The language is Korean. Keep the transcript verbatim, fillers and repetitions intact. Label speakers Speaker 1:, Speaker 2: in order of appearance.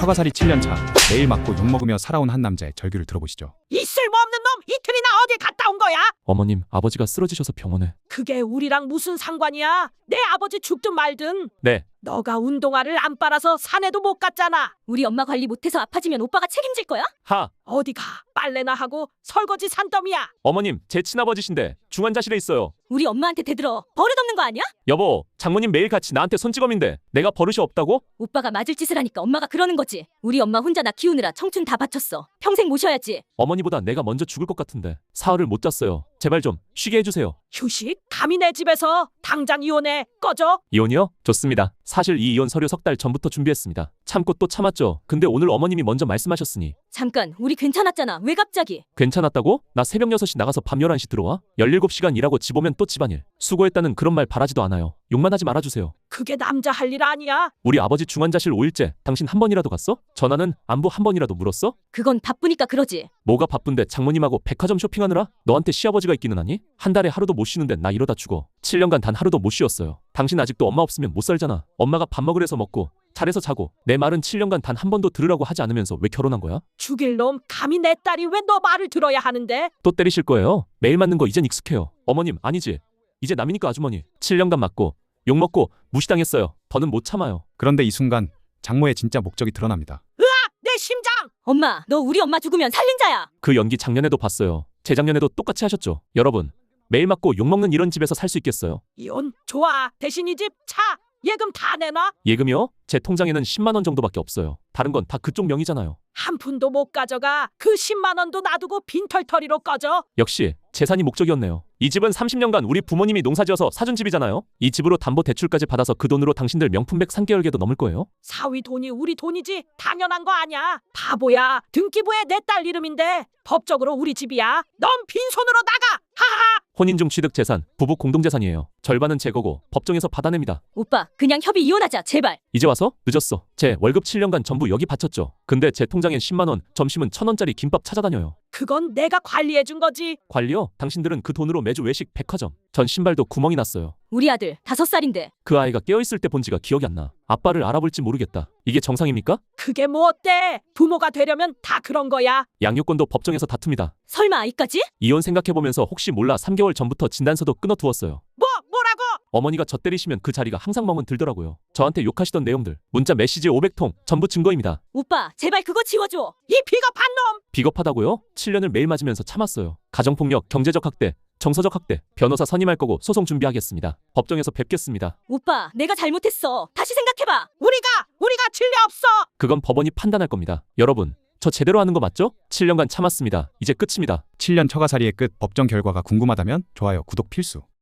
Speaker 1: 처가살이 칠 년 차, 매일 맞고 욕먹으며 살아온 한 남자의 절규를 들어보시죠.
Speaker 2: 이 쓸모없는 놈 이틀이나 어디 갔다 온 거야?
Speaker 3: 어머님, 아버지가 쓰러지셔서 병원에.
Speaker 2: 그게 우리랑 무슨 상관이야? 내 아버지 죽든 말든.
Speaker 3: 네.
Speaker 2: 너가 운동화를 안 빨아서 산에도 못 갔잖아.
Speaker 4: 우리 엄마 관리 못해서 아파지면 오빠가 책임질 거야?
Speaker 3: 하!
Speaker 2: 어디 가? 빨래나 하고 설거지 산더미야.
Speaker 3: 어머님, 제 친아버지신데 중환자실에 있어요.
Speaker 4: 우리 엄마한테 대들어 버릇없는 거 아니야?
Speaker 3: 여보, 장모님 매일 같이 나한테 손찌검인데 내가 버릇이 없다고?
Speaker 4: 오빠가 맞을 짓을 하니까 엄마가 그러는 거지. 우리 엄마 혼자 나 키우느라 청춘 다 바쳤어. 평생 모셔야지.
Speaker 3: 어머니보다 내가 먼저 죽을 것 같은데 사흘을 못 잤어요. 제발 좀 쉬게 해주세요.
Speaker 2: 휴식? 감히 내 집에서 당장 이혼해. 꺼져.
Speaker 3: 이혼이요? 좋습니다. 사실 이 이혼 서류 석 달 전부터 준비했습니다. 참고 또 참았죠. 근데 오늘 어머님이 먼저 말씀하셨으니.
Speaker 4: 잠깐, 우리 괜찮았잖아. 왜 갑자기?
Speaker 3: 괜찮았다고? 나 새벽 여섯 시 나가서 밤 열한 시 들어와? 열일곱 시간 일하고 집 오면 또 집안일. 수고했다는 그런 말 바라지도 않아요. 욕만 하지 말아주세요.
Speaker 2: 그게 남자 할 일 아니야.
Speaker 3: 우리 아버지 중환자실 오 일째 당신 한 번이라도 갔어? 전화는 안부 한 번이라도 물었어?
Speaker 4: 그건 바쁘니까 그러지.
Speaker 3: 뭐가 바쁜데 장모님하고 백화점 쇼핑하느라? 너한테 시아버지가 있기는 하니? 한 달에 하루도 못 쉬는데 나 이러다 죽어. 칠 년간 단 하루도 못 쉬었어요. 당신 아직도 엄마 없으면 못 살잖아. 엄마가 밥 먹으래서 먹고 잘해서 자고 내 말은 칠 년간 단 한 번도 들으라고 하지 않으면서 왜 결혼한 거야?
Speaker 2: 죽일 놈. 감히 내 딸이 왜 너 말을 들어야 하는데?
Speaker 3: 또 때리실 거예요? 매일 맞는 거 이젠 익숙해요. 어머님 아니지. 이제 남이니까 아주머니. 칠 년간 맞고 욕먹고 무시당했어요. 더는 못 참아요.
Speaker 1: 그런데 이 순간 장모의 진짜 목적이 드러납니다.
Speaker 2: 내 심장.
Speaker 4: 엄마, 너 우리 엄마 죽으면 살린자야.
Speaker 3: 그 연기 작년에도 봤어요. 재작년에도 똑같이 하셨죠. 여러분, 매일 맞고 욕먹는 이런 집에서 살 수 있겠어요?
Speaker 2: 이혼 좋아. 대신 이 집 차 예금 다 내놔.
Speaker 3: 예금이요? 제 통장에는 십만 원 정도밖에 없어요. 다른 건 다 그쪽 명의잖아요.
Speaker 2: 한 푼도 못 가져가. 그 십만 원도 놔두고 빈털터리로 꺼져.
Speaker 3: 역시 재산이 목적이었네요. 이 집은 삼십 년간 우리 부모님이 농사지어서 사준 집이잖아요. 이 집으로 담보대출까지 받아서 그 돈으로 당신들 명품백 삼 개월 개도 넘을 거예요.
Speaker 2: 사위 돈이 우리 돈이지 당연한 거 아니야. 바보야. 등기부에 내 딸 이름인데 법적으로 우리 집이야. 넌 빈손으로 나가. 하하.
Speaker 3: 혼인 중 취득 재산, 부부 공동재산이에요. 절반은 제 거고 법정에서 받아냅니다.
Speaker 4: 오빠, 그냥 협의 이혼하자, 제발.
Speaker 3: 이제 와서? 늦었어. 제 월급 칠 년간 전부 여기 바쳤죠. 근데 제 통장엔 십만 원, 점심은 천 원짜리 김밥 찾아다녀요.
Speaker 2: 그건 내가 관리해 준 거지.
Speaker 3: 관리요? 당신들은 그 돈으로 매주 외식, 백화점. 전 신발도 구멍이 났어요.
Speaker 4: 우리 아들 다섯 살인데.
Speaker 3: 그 아이가 깨어있을 때 본 지가 기억이 안 나. 아빠를 알아볼지 모르겠다. 이게 정상입니까?
Speaker 2: 그게 뭐 어때? 부모가 되려면 다 그런 거야.
Speaker 3: 양육권도 법정에서 다툽니다.
Speaker 4: 설마 아이까지?
Speaker 3: 이혼 생각해보면서 혹시 몰라 삼 개월 전부터 진단서도 끊어두었어요.
Speaker 2: 뭐 뭐라고?
Speaker 3: 어머니가 저 때리시면 그 자리가 항상 멍은 들더라고요. 저한테 욕하시던 내용들, 문자 메시지 오백 통, 전부 증거입니다.
Speaker 4: 오빠, 제발 그거 지워줘.
Speaker 2: 이 비겁한 놈.
Speaker 3: 비겁하다고요? 칠 년을 매일 맞으면서 참았어요. 가정폭력, 경제적 학대, 정서적 학대, 변호사 선임할 거고 소송 준비하겠습니다. 법정에서 뵙겠습니다.
Speaker 4: 오빠, 내가 잘못했어. 다시 생각해봐.
Speaker 2: 우리가 우리가 진리 없어.
Speaker 3: 그건 법원이 판단할 겁니다. 여러분, 저 제대로 하는 거 맞죠? 칠 년간 참았습니다. 이제 끝입니다.
Speaker 1: 칠 년 처가살이의 끝 법정 결과가 궁금하다면 좋아요, 구독 필수.